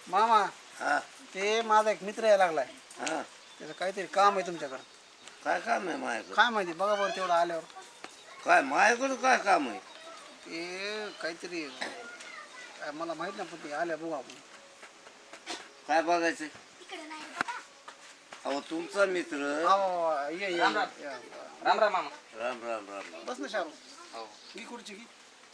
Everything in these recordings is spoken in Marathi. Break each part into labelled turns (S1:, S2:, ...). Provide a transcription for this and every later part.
S1: मामा
S2: हा
S1: ते माझा एक मित्र यायला लागलाय.
S2: हा
S1: त्याचं काहीतरी काम आहे तुमच्याकडं.
S2: काय काम आहे माझ्याकडं?
S1: काय माहिती बघा बरं तेवढं आल्यावर.
S2: काय माझ्याकडं काय काम आहे?
S1: ते काहीतरी मला माहित नाही पण ते आल्या बघू आपण.
S2: काय बघायचं? अहो तुमचा मित्र.
S1: ये
S3: राम राम. राम राम मामा.
S2: राम राम राम.
S1: बस ना शाहरुख.
S3: हो
S1: ही खुर्ची घे.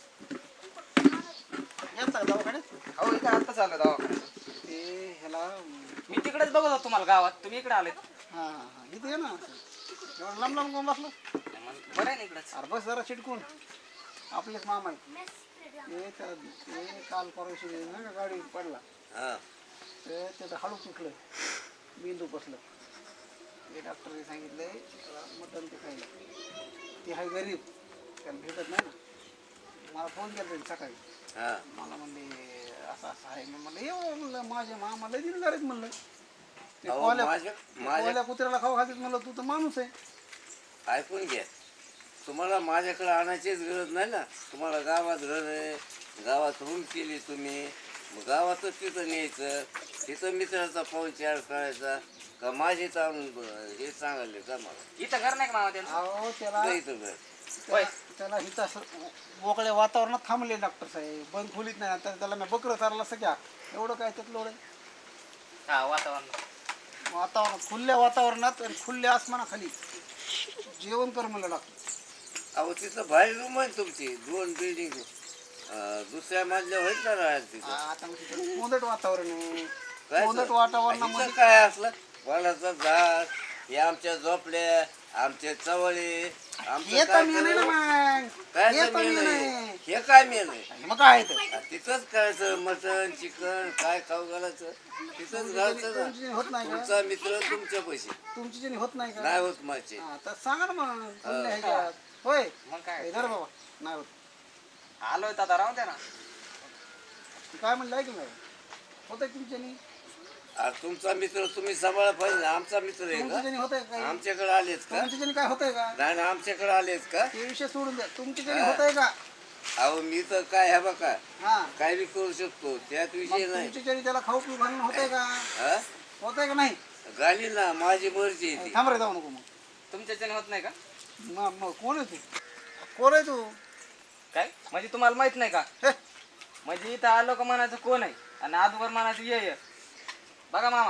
S1: येता का दवाखान्यात?
S3: हो इथं आत्ताच आलो दवाखान्यात.
S1: ते ह्याला
S3: मी तिकडेच बघत होतो तुम्हाला गावात, तुम्ही इकडे आलेत.
S1: हां हां हां इथे ये ना. एवढं लांब लांब कोण बसलं?
S3: बरं आहे ना इकडंच.
S1: अरे बस जरा चिटकून. आपलेच मामा आहेत. ते काल परवाशी ना का गाडी पडला.
S2: हा
S1: ते त्याचं हाडू तुटलं, मेंदू बसलं. ते डॉक्टरने सांगितलंय मटण ते खायला. ते आहे गरीब, त्याला भेटत नाही ना. मला फोन केला त्यांनी सकाळी.
S2: हा
S1: मला म्हणले असं असं आहे. मी म्हणलं ये म्हणलं माझे मामा लय दिनदार आहेत म्हणलं. ते
S2: अहो,
S1: कोल्या कुत्र्याला खाऊ घालतात म्हणलं. तू तर माणूस आहे.
S2: ऐकून घ्या. तुम्हाला माझ्याकडे आणायचीच गरज नाही ना. तुम्हाला गावात घर आहे, गावात रूम केली तुम्ही, मग गावातच तिथं न्यायचं. तिथं मित्राचा पाहुणचार करायचा का माझे आणून हे सांगायले का मला
S3: इथं घर नाही का मामा त्यांचं?
S1: अहो त्याला
S2: इथं घर.
S1: त्याला इथं असं मोकळ्या वातावरणात थांबले डॉक्टर साहेब. बंद खोलीत नाही. तर त्याला मी बकरं चारलं सगळ्या. एवढं काय त्यात लोड आहे.
S3: हा वातावरण.
S1: वातावरण खुल्या वातावरणात आणि खुल्या आसमानाखाली जेवण कर म्हणलं डॉक्टर.
S2: अहो तिथं बाहेर रूम आहे तुमची 2 बिल्डिंग. दुसऱ्या मजल्यावर होईल ना राहायला तिथं.
S1: आता मग तिथं कोंदट वातावरण आहे.
S2: काय
S1: कोंदट
S2: तर?
S1: वातावरणामध्ये
S2: इथं काय असलं वडाचं झाड, हे आमच्या झोपड्या, आमचे चवळे, आमचं
S1: येतं
S2: काय
S1: मी नाही ना
S2: करू?
S1: मग.
S2: काय
S1: येतं मी
S2: मेन
S1: नाही.
S2: आहे? हे काय मेन आहे?
S1: मग काय आहे
S2: तिथंच करायचं. मटण चिकन काय खाऊ घालायचं तिथंच घालायचं ना.
S1: तुमची होत नाही का?
S2: तुमचा मित्र तुमच्या पैसे
S1: तुमची जणी होत नाही का?
S2: नाही होत माझे.
S1: हा, तर सांगा ना मग. खुल्या ह्याच्यात. होय
S3: मग काय
S1: धर बाबा. नाही होत.
S3: आलोय तर आता राहून द्या ना.
S1: काय म्हणलं की नाही होतंय तुमच्यानी.
S2: तुमचा मित्र तुम्ही सांभाळा पाहिजे ना. आमचा मित्र आहे
S1: तुमच्या जणी
S2: का?
S1: होतंय काय?
S2: आमच्याकडे आलेत का?
S1: तुमच्या जणी काय होतंय का?
S2: नाही ना आमच्याकडे आलेत का?
S1: ते विषय सोडून द्या. तुमच्या जणी होतंय का?
S2: अहो मी तर काय आहे बघा
S1: हा
S2: काय बी करू शकतो त्यात विषय नाही.
S1: तुमच्या जणी त्याला खाऊ पिऊ घालणं होतंय का?
S2: हा
S1: होतंय का नाही?
S2: घाली ना माझी मर्जी आहे ती.
S1: थांब रे जाऊ नको मग.
S3: तुमच्या जण होत नाही का?
S1: मग कोण आहे तू? कोण आहे तू?
S3: काय म्हणजे तुम्हाला माहित नाही का?
S1: हे,
S3: म्हणजे इथं आलो का म्हणायचं कोण आहे आणि आजवर म्हणायचं ये बघा मामा.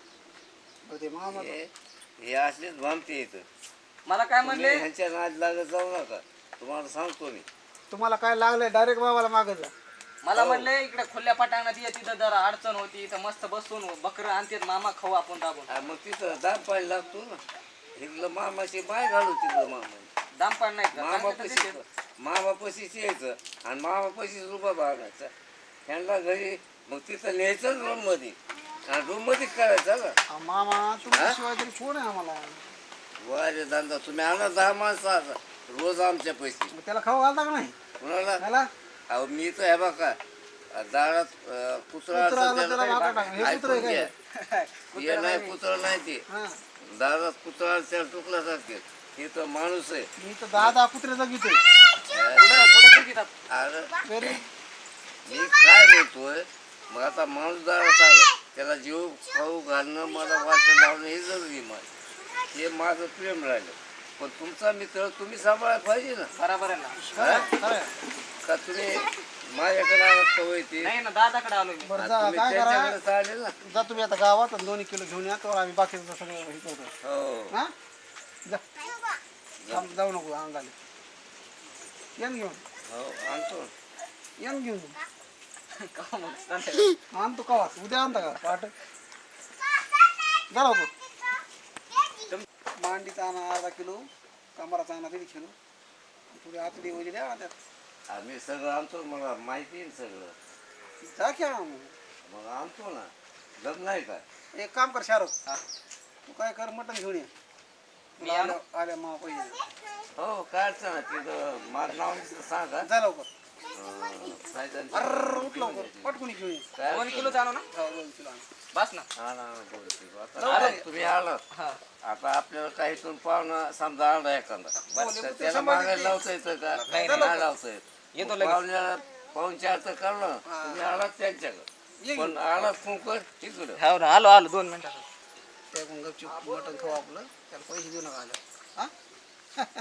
S1: ते मामा
S2: हे असलेच भामते येतं.
S3: मला काय
S2: तुम्ही
S3: म्हणले?
S2: ह्यांच्या नाद लागत जाऊ नका. तुम्हाला सांगतो मी.
S1: तुम्हाला काय लागलंय डायरेक्ट बाबाला मागं जा.
S3: मला
S2: हो.
S3: म्हणले इकडे खुल्या पटांगणात ये, तिथं जरा अडचण होती, इथं मस्त बसून बकरं आणतात मामा खाऊ आपण दाबून.
S2: मग तिथं दाम पाणी लागतो ना. इथलं मामाची बाय घालू तिथं मामा.
S3: दाम पण नाही का?
S2: मामा
S3: चांगलं तर
S2: पशी
S3: देते.
S2: मामा पशीच यायचं आणि मामा पशीच रुपा बागायचा. ह्यांना घरी मग तिथं न्यायचं रूम मध्ये आणि रूम मध्ये करायचं ना.
S1: मामा तुमच्याशिवाय तरी कोण आहे आम्हाला?
S2: वारे धंदा तुम्ही आणा 10 माणसं आता रोज आमच्या पैसे.
S1: मग त्याला खाऊ घालता का नाही?
S2: कुणाला?
S1: त्याला
S2: अहो मी तर हे बघा दारात कुत्रा
S1: कुत्रा आला
S2: असं
S1: त्याला
S2: त्याला
S1: मागं टाक. हे कुत्रं आहे
S2: ऐकून घ्या.
S1: काय?
S2: हे नाही कुत्रा नाही ते
S1: हा
S2: दारात कुत्रा त्याला टुकला जाते. हे तर माणूस आहे.
S1: मी तर 10 कुत्र्याचा घेतोय.
S3: कुठं कुठं देतात?
S2: अरे
S1: घरी
S2: मी काय बोलतोय मग आता माणूस दारात आला त्याला जीव खाऊ घालणं मला वाटण लावणं हे जरुरी माझं. हे माझं प्रेम राहिलं. पण तुमचा मित्र तुम्ही सांभाळायला पाहिजे ना.
S3: बरोबर आहे ना.
S1: खरं
S2: का तुम्ही माझ्याकडे आलात का होय ते?
S3: नाही ना दादाकडे आलो मी.
S1: बरं
S2: आणि
S1: जा
S2: तुम्ही
S1: काय करा
S2: त्यांच्याकडे चालेल ना.
S1: जा तुम्ही आता गावात आणि 2 किलो घेऊन या. तर आम्ही बाकीचं सगळं हे करतो.
S2: हो
S1: हा जा थांब, जाऊ नको अंगाले. येन घेऊन
S2: हो आणतो.
S1: येन घेऊन
S3: का मग चालतंय.
S1: आणतो कवा उद्या आणता का पाठ झाला मांडीचा आणा अर्धा किलो, कमराचा आणा 1.5 किलो, थोडी आतडी वगैरे द्या त्यात.
S2: आम्ही सगळं आणतो. मला माहिती आहे सगळं.
S1: जा क्या
S2: मग आणतो ना. लग्न आहे का?
S1: एक काम कर शाहरुख, तू काय कर मटण घेऊन ये.
S3: मी आणू?
S1: आल्या मा पाहिजे.
S2: हो काय अडचण नाही. तिथं माझं नाव नुसतं सांगा.
S1: जा लवकर.
S2: सायदांची-
S1: अर्र उठ लवकर पटकून घेऊन ये.
S2: काय
S3: 2 किलो आणू ना?
S1: हो, 2 किलो आण.
S3: बस ना.
S2: हा ना 2 किलो. आता
S1: जाऊ दे.
S2: तुम्ही आलात
S3: हा
S2: आता आपल्याला काही इथून पाहुणा समजा आला एखादा
S1: हो,
S2: तर
S1: ते
S2: त्याला
S1: शंभर
S2: मागायला
S1: टक्के.
S2: लावता येतं का?
S3: नाही,
S2: नाही लावता येत.
S3: येतो लगेच.
S2: पाहुण्याला पाहुणचार तर करणं. तुम्ही आलात त्यांच्याकडे
S1: ये
S2: पण आला फोन कर तिकडं.
S3: हो ना आलो 2 मिनिटात
S1: त्या मग गपचूप मटण खाऊ आपलं त्याला पैसे देऊ नका आलं हा